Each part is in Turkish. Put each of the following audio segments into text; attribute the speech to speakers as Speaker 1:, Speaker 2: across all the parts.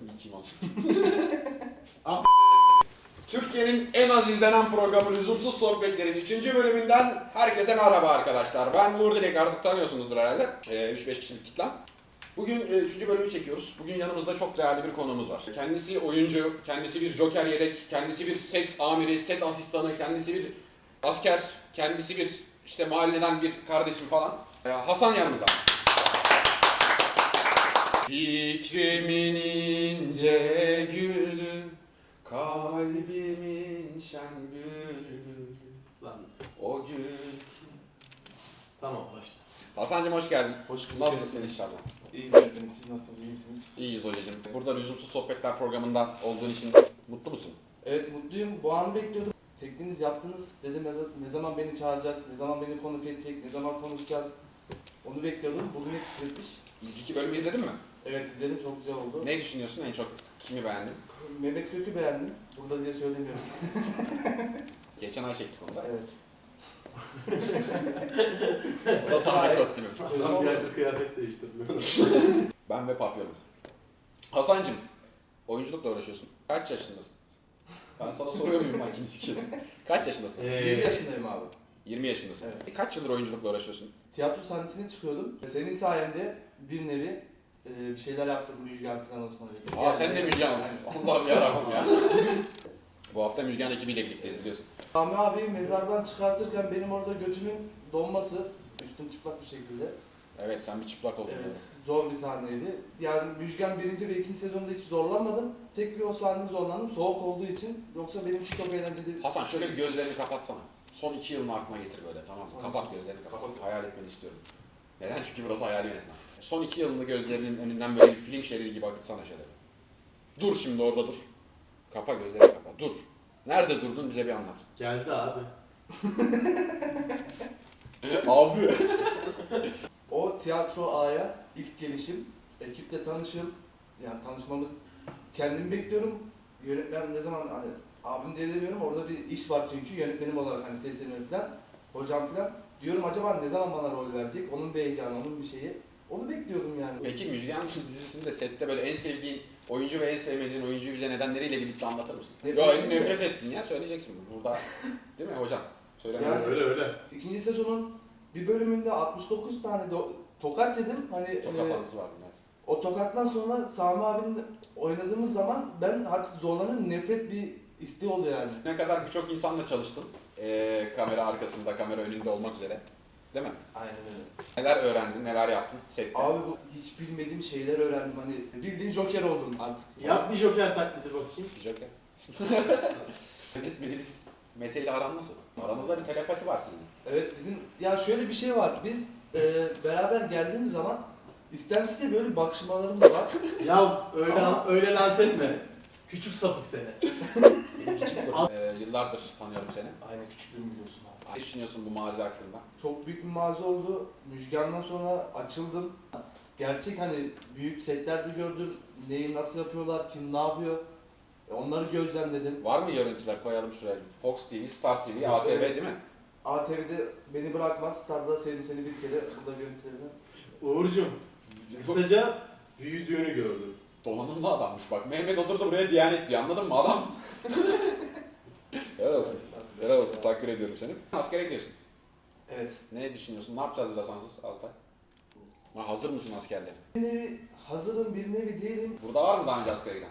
Speaker 1: Geçeyim onu. Türkiye'nin en az izlenen programı Lüzumsuz Sohbetler'in 3. bölümünden herkese merhaba arkadaşlar. Ben Uğur Dilek, artık tanıyorsunuzdur herhalde. 3-5 kişilik kitlem. Bugün 3. bölümü çekiyoruz. Bugün yanımızda çok değerli bir konuğumuz var. Kendisi oyuncu, kendisi bir joker yedek, kendisi bir set amiri, set asistanı, kendisi bir asker, kendisi bir işte mahalleden bir kardeşim falan. Hasan yanımızda. Fikrimin ince gülü, kalbimin şen gülü,
Speaker 2: Lan
Speaker 1: o gül.
Speaker 2: tamam başla.
Speaker 1: Hasancığım hoş geldin.
Speaker 3: Hoş bulduk.
Speaker 1: Nasılsın inşallah?
Speaker 3: İyiyim efendim. Siz nasılsınız? İyi misiniz?
Speaker 1: İyiyiz hocacığım. Burada Lüzumsuz Sohbetler programından olduğun için mutlu musun?
Speaker 3: Evet mutluyum. Bu anı bekliyordum. Çektiniz, yaptınız. Dedim ne zaman beni çağıracak, ne zaman beni konuk edecek, ne zaman konuşacağız. Onu bekliyordum. Bugün kısmetmiş.
Speaker 1: İlk 2 bölümü izledin mi?
Speaker 3: Evet izledim. Çok güzel oldu.
Speaker 1: Ne düşünüyorsun? En çok kimi beğendin?
Speaker 3: Mehmet Kök'ü beğendim. Burada diye söylemiyorum.
Speaker 1: Geçen ay çektik onu da.
Speaker 3: Evet.
Speaker 1: O da sahne kostümü.
Speaker 2: Adam bir ayda kıyafet değiştirmiyor.
Speaker 1: Ben ve papyonum. Hasancığım, oyunculukla uğraşıyorsun. Kaç yaşındasın? Ben sana soruyor muyum lan, kimi sikiyorsun? Kaç yaşındasın?
Speaker 3: 20 yaşındayım abi.
Speaker 1: 20 yaşındasın.
Speaker 3: Evet.
Speaker 1: Kaç yıldır oyunculukla uğraşıyorsun?
Speaker 3: Tiyatro sahnesine çıkıyordum. Senin sayende bir nevi bir şeyler yaptım. Müjgan falan olsun.
Speaker 1: Sen de Müjgan. Allah'ım yarabbim ya. Bu hafta Müjgan ekibiyle birlikteyiz biliyorsun.
Speaker 3: Sami abi mezardan çıkartırken benim orada götümün donması, üstüm çıplak bir şekilde.
Speaker 1: Evet, sen bir çıplak oldun.
Speaker 3: Evet, zor bir sahneydi. Yani Müjgan 1. ve 2. sezonda hiç zorlanmadım. Tek bir o sahnede zorlandım, soğuk olduğu için. Yoksa benim için çok eğlenceli.
Speaker 1: Hasan şöyle bir gözlerini kapatsana. Son 2 yılını aklına getir böyle, tamam mı? Kapat gözlerini, kapat. Hayal etmeni istiyorum. Neden? Çünkü burası hayal yönetmen. Son 2 yılını gözlerinin önünden böyle bir film şeridi gibi akıtsana şöyle. Dur şimdi orada dur. Kapa gözlerini kapa. Dur. Nerede durdun bize bir anlat.
Speaker 2: Geldi abi.
Speaker 1: Abi.
Speaker 3: O tiyatro A'ya ilk gelişim, ekiple tanışım, yani tanışmamız. Kendimi bekliyorum. Yönetmen ne zaman hani abim diye demiyorum, orada bir iş var çünkü yönetmenim olarak hani sesleniyorum falan. Hocam falan. Diyorum acaba ne zaman bana rol verecek? Onun bir heyecanı, onun bir şeyi. Onu bekliyordum yani.
Speaker 1: Peki Müjgan dizisinde sette böyle en sevdiğin oyuncu ve en sevmediğin oyuncuyu bize nedenleriyle birlikte anlatır mısın? Nefret ettin ya, söyleyeceksin burada. Değil mi hocam? Söyleme.
Speaker 3: Yani-
Speaker 2: Öyle.
Speaker 3: İkinci sezonun bir bölümünde 69 tane tokat yedim. Hani
Speaker 1: Çok hatansı var bunlar.
Speaker 3: o tokattan sonra Sami abimle oynadığımız zaman ben artık zorlanıyorum. Nefret bir isteği oluyor yani.
Speaker 1: Ne kadar birçok insanla çalıştın. Kamera arkasında, kamera önünde olmak üzere. Değil mi?
Speaker 3: Aynen öyle.
Speaker 1: Neler öğrendin, neler yaptın sette?
Speaker 3: Abi bu hiç bilmediğim şeyler öğrendim. Hani bildiğin Joker oldum artık.
Speaker 2: Yap bir joker taklidi bakayım.
Speaker 1: Joker. Yönetmenimiz Mete ile aran nasıl? Aranızda bir telepati var sizin.
Speaker 3: Evet bizim ya şöyle bir şey var. Biz beraber geldiğimiz zaman istemsizce böyle bakışmalarımız var.
Speaker 2: Ya öyle lanse etme. Küçük sapık seni.
Speaker 1: Yıllardır tanıyorum seni.
Speaker 3: Aynen küçüklüğümü biliyorsun abi.
Speaker 1: Ne düşünüyorsun bu mazi hakkında?
Speaker 3: Çok büyük bir mağaza oldu. Müjgan'dan sonra açıldım. Gerçek hani büyük setlerde gördüm. Neyi nasıl yapıyorlar, kim ne yapıyor. Onları gözlemledim.
Speaker 1: Var mı görüntüler, koyalım şuraya? Fox TV, Star TV, ATV
Speaker 3: Evet.
Speaker 1: değil mi?
Speaker 3: ATV'de beni bırakmaz. Star'da sevdim seni bir kere. Burada görüntülerini.
Speaker 2: Uğur'cum, kısaca büyüdüğünü gördüm.
Speaker 1: Donanımlı adammış bak. Mehmet oturdu buraya Diyanet diye, anladın mı adam? Helal olsun. Helal olsun, takdir ediyorum seni. Askere gidiyorsun.
Speaker 3: Evet.
Speaker 1: Ne düşünüyorsun? Ne yapacağız biz Hasansız Altay? Hazır mısın askerliğe?
Speaker 3: Bir nevi hazırım, bir nevi değilim.
Speaker 1: Burada var mı daha önce askere giden?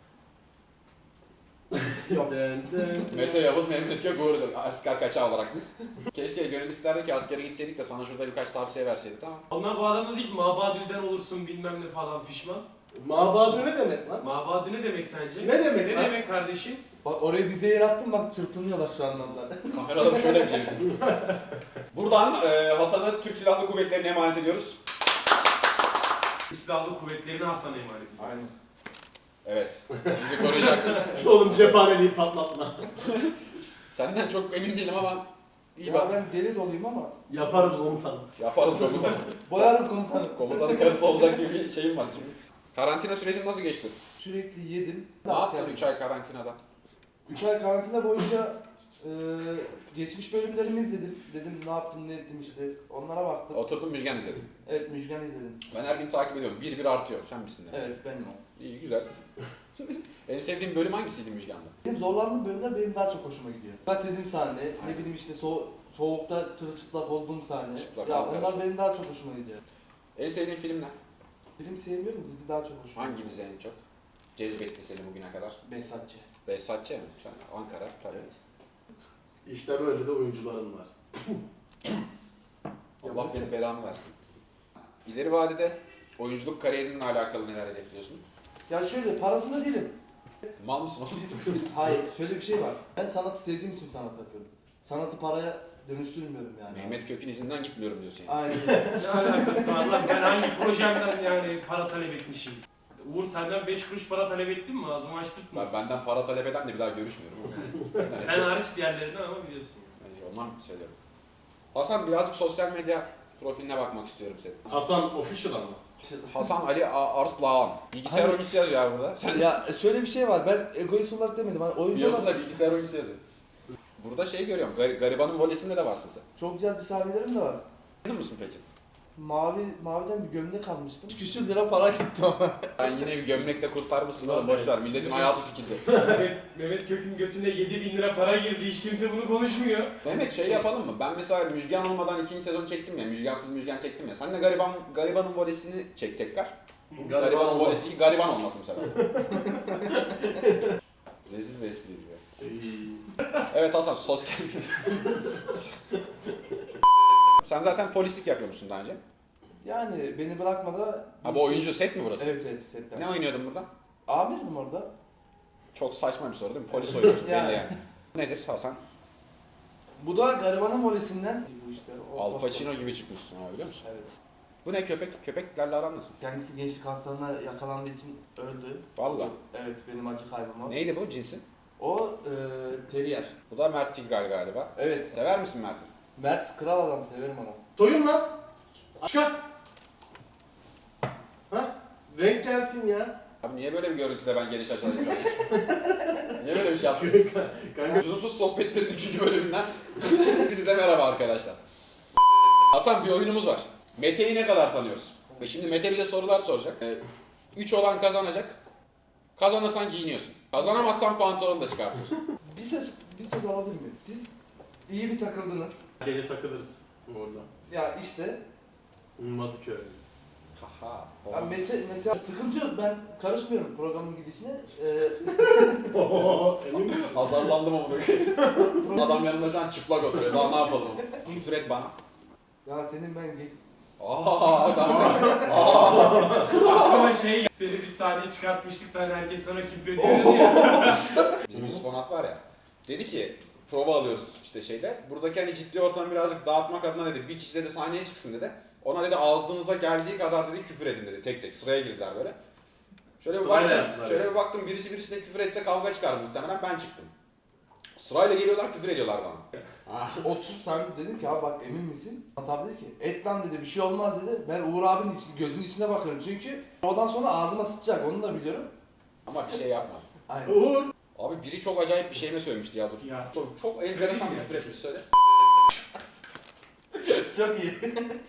Speaker 3: Yok.
Speaker 1: Mete Yavuz, Mehmet Gök, Uğur asker kaçağı olarak biz. Keşke gönül isterdi ki askere gitseydik de sana şurada birkaç tavsiye verseydik ama.
Speaker 4: Onlar bu adam dedi ki mabadülden olursun bilmem ne falan fişman.
Speaker 2: Mabadu ne demek lan?
Speaker 4: Mabadü ne demek sence?
Speaker 2: Ne demek
Speaker 4: Ne
Speaker 2: lan?
Speaker 4: demek kardeşim?
Speaker 3: Bak oraya bize yer attım bak çırpınıyorlar şu anda onlar.
Speaker 1: Kameraları şöyle yapacaksın. Buradan Hasan'ı Türk Silahlı Kuvvetleri'ne emanet ediyoruz.
Speaker 4: Türk Silahlı Kuvvetleri'ne Hasan'a emanet ediyoruz.
Speaker 3: Aynen.
Speaker 1: Evet, bizi koruyacaksın.
Speaker 2: Oğlum cephaneliği patlatma.
Speaker 1: Senden çok emin değilim ama iyi
Speaker 3: Ya
Speaker 1: bak.
Speaker 3: ben deli doluyum ama
Speaker 2: Yaparız komutanım.
Speaker 1: Yaparız komutanım.
Speaker 3: boyarım komutanım.
Speaker 1: Komutanın karısı olacak gibi bir şeyim var şimdi. Karantina sürecin nasıl geçti?
Speaker 3: Sürekli yedim.
Speaker 1: Ne yaptın 3 ay karantinada?
Speaker 3: 3 ay karantina boyunca Geçmiş bölümlerimi izledim. Dedim ne yaptım ne ettim işte. Onlara baktım.
Speaker 1: Oturdum Müjgan izledim.
Speaker 3: Evet, Müjgan izledim.
Speaker 1: Ben her gün takip ediyorum. Bir artıyor. Sen misin de?
Speaker 3: Evet, benim o.
Speaker 1: İyi, güzel. En sevdiğin bölüm hangisiydi Müjgan'da?
Speaker 3: Benim zorlandığım bölümler benim daha çok hoşuma gidiyor. Dediğim sahne, ne bileyim işte soğukta çırılçıplak olduğum sahne.
Speaker 1: Çıplak,
Speaker 3: ya
Speaker 1: Ankara.
Speaker 3: onlar benim daha çok hoşuma gidiyor.
Speaker 1: En sevdiğin film ne?
Speaker 3: Film sevmiyorum, dizi daha çok hoşuma
Speaker 1: Hangi
Speaker 3: gidiyor.
Speaker 1: dizi en çok cezbetti seni bugüne kadar?
Speaker 3: Behzatçı.
Speaker 1: Behzatçı mı? Sen Ankara tabii.
Speaker 3: Evet.
Speaker 2: İşte böyle de oyuncuların var.
Speaker 1: Allah benim belamı versin. İleri vadede oyunculuk kariyerinle alakalı neler hedefliyorsun?
Speaker 3: Ya şöyle, parasında değilim.
Speaker 1: Mal mısın oğlum?
Speaker 3: Hayır, şöyle bir şey var. Ben sanatı sevdiğim için sanat yapıyorum. Sanatı paraya dönüştürmüyorum yani.
Speaker 1: Mehmet Kök'ün izinden gitmiyorum diyorsun yani.
Speaker 3: Aynen öyle.
Speaker 4: Ne alakası var lan? Ben hangi projemden yani para talep etmişim? Uğur senden 5 kuruş para talep ettin mi? Ağzımı açtık mı?
Speaker 1: Benden para talep eden de bir daha görüşmüyorum.
Speaker 4: Sen hariç diğerlerini ama biliyorsun.
Speaker 1: Yani ondan söylüyorum. Hasan birazcık sosyal medya profiline bakmak istiyorum senin.
Speaker 2: Hasan Official ama.
Speaker 1: Hasan Ali Arslan. Bilgisayar
Speaker 3: Hani-
Speaker 1: oyuncusu yazıyor ya burada. Sen
Speaker 3: Ya şöyle bir şey var, ben egoist olarak demedim. Hani oyuncu
Speaker 1: diyorsun
Speaker 3: olarak
Speaker 1: da bilgisayar oyuncusu yazıyor. Burada şey görüyorum, garibanın volesinde de varsın sen.
Speaker 3: çok güzel bir sahnelerim de var.
Speaker 1: Memnun musun peki?
Speaker 3: Maviden bir gömlek almıştım. Küsür lira para gitti ama.
Speaker 1: Ben yine bir gömlekle kurtarmışsın oğlum, boş ver. Milletin hayatı sikildi.
Speaker 4: Mehmet Kök'ün götüne 7.000 lira para girdi. Hiç kimse bunu konuşmuyor.
Speaker 1: Mehmet şey yapalım mı? Ben mesela Müjgan olmadan 2. sezon çektim ya, Müjgansız Müjgan çektim ya. Sen de garibanın volesini çek tekrar. Garibanın
Speaker 2: olmaz.
Speaker 1: volesi gariban olmasın bu sefer. Rezil bir espriydi ya. Evet Hasan, sosyal... Sen zaten polislik yapıyormuşsun daha önce.
Speaker 3: Yani beni bırakmadı.
Speaker 1: Ha bu oyuncu set mi burası?
Speaker 3: Evet evet, setten.
Speaker 1: Ne oynuyordun burada?
Speaker 3: Amirdim orada.
Speaker 1: Çok saçma bir soru değil mi? Polis oynuyorsun
Speaker 3: Yani.
Speaker 1: belli yani. Nedir Hasan?
Speaker 3: Bu da garibanın volesinden. Bu işte.
Speaker 1: Al Pacino gibi çıkmışsın abi, biliyor musun?
Speaker 3: Evet.
Speaker 1: Bu ne köpek? Köpeklerle aran nasıl?
Speaker 3: Kendisi gençlik hastalığına yakalandığı için öldü.
Speaker 1: Valla.
Speaker 3: Evet, benim acı kaybım o.
Speaker 1: Neydi bu cinsi?
Speaker 3: O terrier.
Speaker 1: Bu da Mert Tigray galiba.
Speaker 3: Evet.
Speaker 1: Sever misin Mert'i?
Speaker 3: Mert kral adam, severim onu.
Speaker 2: Soyun lan. Çıkar. Ha? Renk gelsin ya.
Speaker 1: Abi niye böyle bir görüntüde ben geniş açılayım şu an? Niye böyle bir şey yaptın?
Speaker 2: Kanka.
Speaker 1: Lüzumsuz sohbetlerin 3. bölümünden hepinize merhaba arkadaşlar. Hasan, bir oyunumuz var. Mete'yi ne kadar tanıyoruz? Ve şimdi Mete bize sorular soracak. 3 olan kazanacak. Kazanırsan giyiniyorsun. Kazanamazsan pantolonu da çıkartıyorsun.
Speaker 3: Bir söz alabilir miyim? Siz iyi bir takıldınız.
Speaker 2: Gece takılırız orada.
Speaker 3: Ya işte.
Speaker 2: Ummadıköy.
Speaker 1: Haha.
Speaker 3: Ya Mete sıkıntı yok, ben karışmıyorum programın gidişine.
Speaker 2: Emin misin?
Speaker 1: Azarlandım ama böyle. Adam yanımda şu an çıplak oturuyor. Daha ne yapalım? Küfür et bana.
Speaker 3: Ya senin ben
Speaker 1: Tamam.
Speaker 4: Ama şey, seni bir sahneye çıkartmıştık da hani herkes sana küfrediyordu ya.
Speaker 1: Bizim Yusuf Onat var ya. Dedi ki prova alıyoruz işte şeyde. Buradaki hani ciddi ortamı birazcık dağıtmak adına dedi. Bir kişi dedi sahneye çıksın dedi. Ona dedi ağzınıza geldiği kadar dedi küfür edin dedi. Tek tek sıraya girdiler böyle. Şöyle bir
Speaker 2: Sırayla
Speaker 1: baktım.
Speaker 2: yaptılar
Speaker 1: Şöyle
Speaker 2: yani.
Speaker 1: bir baktım, birisi birisine küfür etse kavga çıkar muhtemelen, ben çıktım. Sırayla geliyorlar, küfür ediyorlar bana.
Speaker 3: otur sen, dedim ki abi bak emin misin? Tabi dedi ki et lan dedi, bir şey olmaz dedi. Ben Uğur abinin gözünün içine bakıyorum çünkü oradan sonra ağzıma sıçacak, onu da biliyorum.
Speaker 1: Ama bir şey yapma.
Speaker 3: Aynen.
Speaker 2: Uğur.
Speaker 1: Abi biri çok acayip bir şey mi söylemişti ya, dur.
Speaker 4: Ya,
Speaker 1: Çok enteresan
Speaker 4: söyleyeyim
Speaker 1: bir
Speaker 4: ya.
Speaker 1: küfür etmiş, söyle.
Speaker 3: Çok iyi.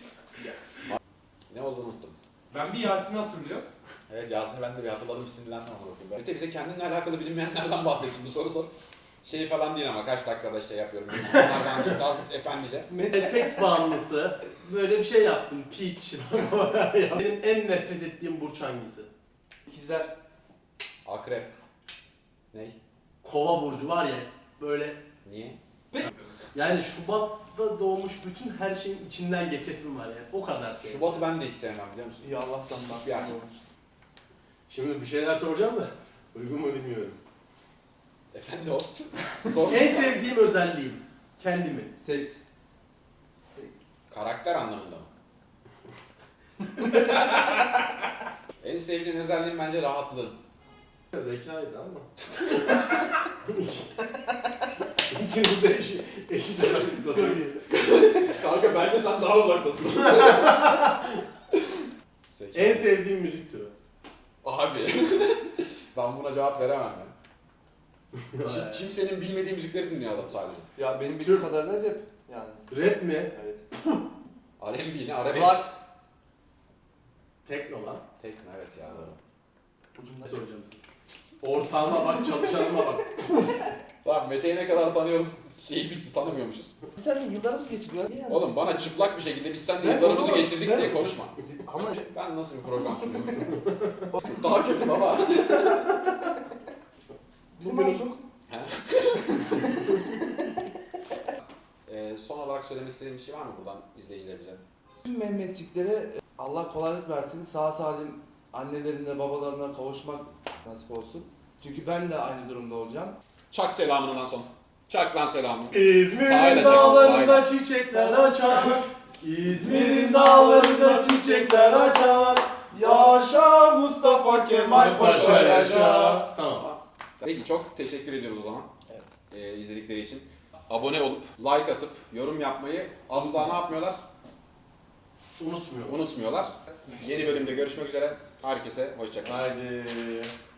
Speaker 1: Ne olduğunu unuttum.
Speaker 4: Ben bir Yasin'i hatırlıyorum.
Speaker 1: Evet, Yasin'i ben de bir hatırladım, sinirlendim ama. Mete bize kendinle alakalı bilinmeyenlerden bahset şimdi, soru sor. Şey falan değil ama kaç dakikada şey yapıyorum. Onlardan değil, daha efendice.
Speaker 2: Seks bağımlısı. Böyle bir şey yaptın. Piç. Benim en nefret ettiğim burç hangisi?
Speaker 3: İkizler.
Speaker 1: Akrep. Ney?
Speaker 2: Kova burcu var ya. Böyle
Speaker 1: Niye?
Speaker 2: yani Şubat'ta doğmuş bütün her şeyin içinden geçesim var yani. O kadar sevdim.
Speaker 1: Şubat'ı ben de hiç sevmem, biliyor musun?
Speaker 3: İyi Allah'tan bak.
Speaker 1: Yani.
Speaker 2: Şimdi bir şeyler soracağım da uygun mu bilmiyorum.
Speaker 1: Efendi o. Sor.
Speaker 2: En sevdiğim özelliğim kendimi.
Speaker 3: Seks.
Speaker 1: Karakter anlamında mı? En sevdiğin özelliğin bence rahatlığın.
Speaker 2: Zekaydı ama. İkiniz de eşit uzaklıktasınız.
Speaker 1: Kanka bence sen daha uzaktasın.
Speaker 2: En sevdiğim müzik türü.
Speaker 1: Abi. Ben buna cevap veremem ben. Kimsenin bilmediği müzikleri dinliyor adam sadece.
Speaker 3: Ya benim bildiğim kadarıyla rap yani.
Speaker 2: Rap mi?
Speaker 3: Evet.
Speaker 1: R&B ne? Arabesk.
Speaker 3: Rock.
Speaker 2: Tekno lan.
Speaker 1: Tekno evet ya.
Speaker 3: Ucunda
Speaker 2: Soracağım size. Ortağıma bak, çalışanıma bak.
Speaker 1: Tamam Mete'yi ne kadar tanıyoruz şeyi bitti tanımıyormuşuz.
Speaker 3: Sen de yıllarımız geçti ya. Niye yani?
Speaker 1: Oğlum bana çıplak bir şekilde biz seninle
Speaker 3: Ben
Speaker 1: yıllarımızı
Speaker 3: o zaman-
Speaker 1: geçirdik
Speaker 3: ben-
Speaker 1: diye konuşma.
Speaker 3: Ama
Speaker 1: Ben nasıl bir program sunuyorum? Daha kötü baba.
Speaker 3: bizim
Speaker 2: Bugün-
Speaker 3: az çok
Speaker 1: Son olarak söylemek istediğim bir şey var mı buradan izleyicilerimize?
Speaker 3: tüm Mehmetçiklere Allah kolaylık versin. Sağ salim annelerine babalarına kavuşmak nasip olsun. Çünkü ben de aynı durumda olacağım.
Speaker 1: Çak selamını lan son. Çak lan selamını.
Speaker 2: İzmir'in
Speaker 1: Sahile
Speaker 2: dağlarında
Speaker 1: çakal,
Speaker 2: çiçekler açar. İzmir'in dağlarında çiçekler açar. Yaşa Mustafa Kemal Paşa yaşa. Tamam.
Speaker 1: Peki çok teşekkür ediyoruz o zaman.
Speaker 3: Evet.
Speaker 1: İzledikleri için. Abone olup, like atıp, yorum yapmayı asla ne yapmıyorlar?
Speaker 2: Unutmuyorum.
Speaker 1: Unutmuyorlar. Yeni bölümde görüşmek üzere. Herkese hoşça kalın.
Speaker 2: Haydi.